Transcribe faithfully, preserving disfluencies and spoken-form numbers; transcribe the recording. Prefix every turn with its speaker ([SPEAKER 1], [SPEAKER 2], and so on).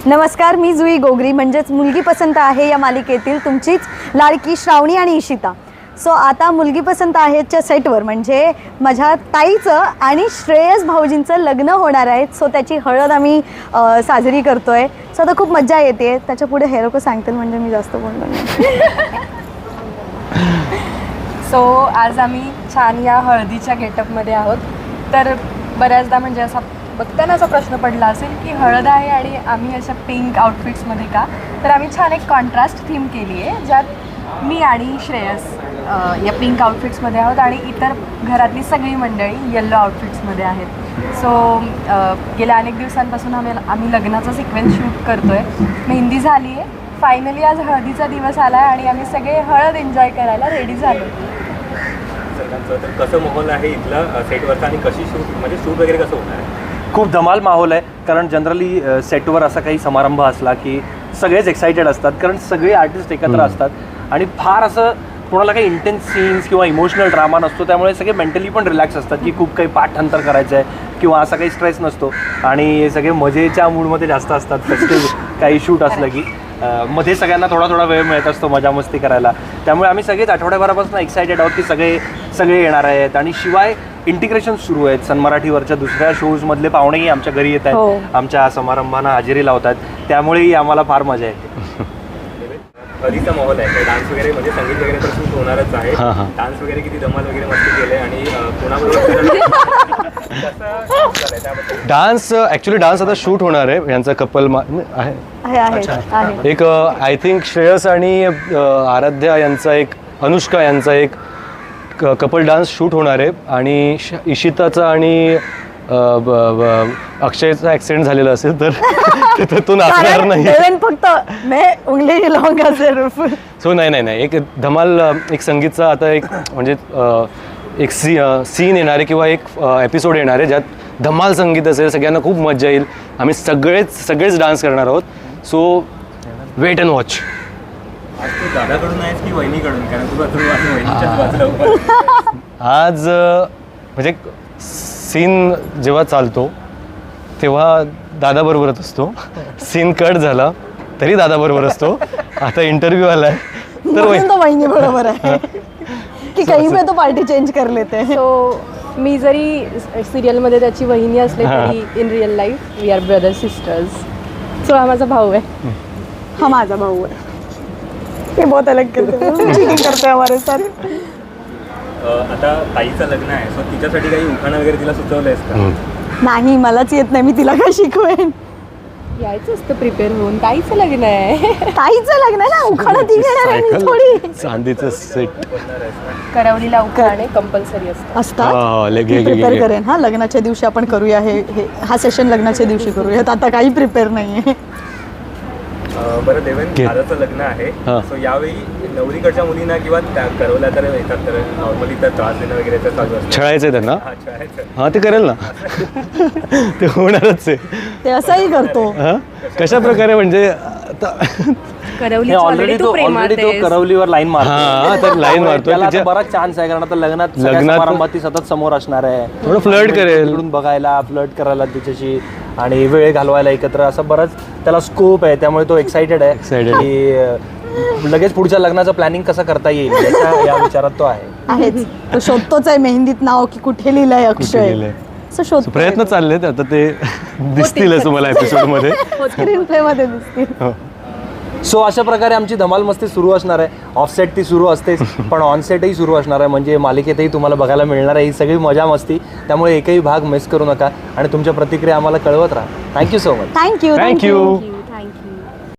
[SPEAKER 1] नमस्कार, मी जुई गोगरी म्हणजेच मुलगी पसंत आहे या मालिकेतील तुमचीच लाडकी श्रावणी आणि इशिता. सो आता मुलगी पसंत आहेच्या सेटवर म्हणजे माझ्या ताईचं आणि श्रेयस भाऊजींचं लग्न होणार आहे. सो त्याची हळद आम्ही साजरी करतो आहे. सो आता खूप मजा येते. त्याच्या पुढे हे लोक सांगतील म्हणजे मी जास्त बोलणार नाही.
[SPEAKER 2] सो आज आम्ही छान या हळदीच्या गेटअपमध्ये आहोत. तर बऱ्याचदा म्हणजे असा बघताना असा प्रश्न पडला असेल की हळद आहे आणि आम्ही अशा पिंक आउटफिट्समध्ये का. तर आम्ही छान एक कॉन्ट्रास्ट थीम केली आहे ज्यात मी आणि श्रेयस या पिंक आउटफिट्समध्ये आहोत आणि इतर घरातली सगळी मंडळी येल्लो आउटफिट्समध्ये आहेत. सो गेल्या अनेक दिवसांपासून आम्ही आम्ही लग्नाचा सिक्वेन्स शूट करतो आहे. मेहंदी झाली आहे. फायनली आज हळदीचा दिवस आला आहे आणि आम्ही सगळे हळद एन्जॉय करायला रेडी झालो.
[SPEAKER 3] तर कसं माहोल आहे इथला सेटवरचा आणि कशी शूट म्हणजे शूट वगैरे कसं होणार आहे?
[SPEAKER 4] खूप धमाल माहोल आहे. कारण जनरली सेटवर असा काही समारंभ असला की सगळेच एक्सायटेड असतात कारण सगळे आर्टिस्ट एकत्र असतात आणि फार असं कोणाला काही इंटेन्स सीन्स किंवा इमोशनल ड्रामा नसतो. त्यामुळे सगळे मेंटली पण रिलॅक्स असतात की खूप काही पाठांतर करायचं आहे किंवा असा काही स्ट्रेस नसतो आणि सगळे मजेच्या मूडमध्ये जास्त असतात. फेस्टिव्ह काही शूट असलं की मध्ये सगळ्यांना थोडा थोडा वेळ मिळत असतो मजा मस्ती करायला. त्यामुळे आम्ही सगळेच आठवड्याभरापासून एक्सायटेड आहोत की सगळे सगळे येणार आहेत. आणि शिवाय इंटिग्रेशन सुरू आहेत. सन मराठीवरच्या दुसऱ्या शोजमधले पाहुणेही आमच्या घरी येत आहेत, आमच्या समारंभांना हजेरी लावतात. त्यामुळेही आम्हाला फार मजा येते.
[SPEAKER 3] हळदीचा माहोल आहे, डान्स वगैरे म्हणजे संगीत वगैरे तर शूट होणारच आहे. डान्स वगैरे किती धमाल वगैरे मस्ती केले आणि कोणाबरोबर
[SPEAKER 5] डान्स ॲक्च्युली डान्स आता शूट होणार आहे. यांचा कपल आहे एक आय थिंक श्रेयस आणि आराध्या यांचा एक अनुष्का यांचा एक कपल डान्स शूट होणार आहे आणि इशिताचा आणि अक्षयचा ॲक्सिडेंट झालेला असेल तर तिथं तो नाचणार नाही.
[SPEAKER 1] फक्त उंगली लावूंगा जरूर.
[SPEAKER 5] सो नाही नाही नाही एक धमाल एक संगीतचा आता एक म्हणजे एक सी सीन येणार आहे किंवा एक एपिसोड येणार आहे ज्यात धमाल संगीत असेल. सगळ्यांना खूप मजा येईल. आम्ही सगळेच सगळेच डान्स करणार आहोत. So wait and watch.
[SPEAKER 3] आज तू दादाकडून आहेस की वहिनीकडून? कारण तू वहिनीच्याच बाजूला
[SPEAKER 5] आज म्हणजे सीन जेव्हा चालतो तेव्हा दादाबरोबरच असतो. सीन कट झाला तरी दादाबरोबर असतो. आता इंटरव्ह्यू आला आहे तर
[SPEAKER 1] वहिनी बरोबर आहे की काही वेळ तो पार्टी चेंज कर लेते.
[SPEAKER 2] सो मी जरी सिरियलमध्ये त्याची वहिनी असले तरी in real life we are brother sisters. So हा माझा भाऊ आहे.
[SPEAKER 1] हा माझा भाऊ आहे. ते बहुत अलग करते हमारे सारे.
[SPEAKER 3] आता ताईचं लग्न आहे, सो तिच्यासाठी काही उखाणं वगैरे तिला सुचवलं आहेस का?
[SPEAKER 1] नाही, मलाच येत नाही. मी तिला काय शिकवेन?
[SPEAKER 2] यायचं असतं प्रिपेअर होऊन. ताईचं लग्न आहे.
[SPEAKER 1] ताईचं लग्न ना, उखाणं ती घेणार आहे मी थोडी.
[SPEAKER 5] चांदीचं सेट
[SPEAKER 2] करवलीला उखाणे कंपल्सरी असतं
[SPEAKER 1] असतात. प्रिपेअर करेन. हा, लग्नाच्या दिवशी आपण करूया हे हा सेशन लग्नाच्या दिवशी करूयात. आता काही प्रिपेअर नाहीये.
[SPEAKER 3] बरं देवेन, दादाचं लग्न आहे, सो यावेळी नवरीकडच्या मुलींना किंवा करवल्या तर येतात तर नॉर्मली तर त्रास देणं वगैरे तर चालू असतं.
[SPEAKER 5] छळायचं त्यांना. हा ते करेल ना. ते होणारच आहे.
[SPEAKER 1] ते असंही करतो.
[SPEAKER 5] कशा प्रकारे म्हणजे
[SPEAKER 4] ऑलरेडी तो ऑलरेडी तो करवलीवर लाईन मारतो.
[SPEAKER 5] तर लाईन मारतो.
[SPEAKER 4] त्याला बराच चान्स आहे कारण आता लग्नात समारंभात ती सतत समोर असणार आहे.
[SPEAKER 5] थोडं फ्लर्ट करेल,
[SPEAKER 4] बघायला फ्लर्ट करायला तिच्याशी आणि वेळ घालवायला एकत्र असं बरंच त्याला स्कोप आहे. त्यामुळे तो एक्सायटेड आहे की लगेच पुढच्या लग्नाचं प्लॅनिंग कसं करता येईल या विचारात तो आहे.
[SPEAKER 1] आहेच. तो शोधतोच आहे मेहंदीत नाव की कुठे लिहिलंय अक्षय.
[SPEAKER 5] प्रयत्न चाललेत. आता ते दिसतीलच तुम्हाला एपिसोड मध्ये,
[SPEAKER 1] स्क्रीन प्ले मध्ये दिसतील.
[SPEAKER 4] सो अशा प्रकारे आमची धमाल मस्ती सुरू असणार आहे. ऑफसेट ती सुरू असतेच पण ऑनसेटही सुरू असणार आहे. म्हणजे मालिकेतही तुम्हाला बघायला मिळणार आहे ही सगळी मजा मस्ती. त्यामुळे एकही भाग मिस करू नका आणि तुमच्या प्रतिक्रिया आम्हाला कळवत राहा. Thank you so much.
[SPEAKER 1] Thank you
[SPEAKER 5] thank you.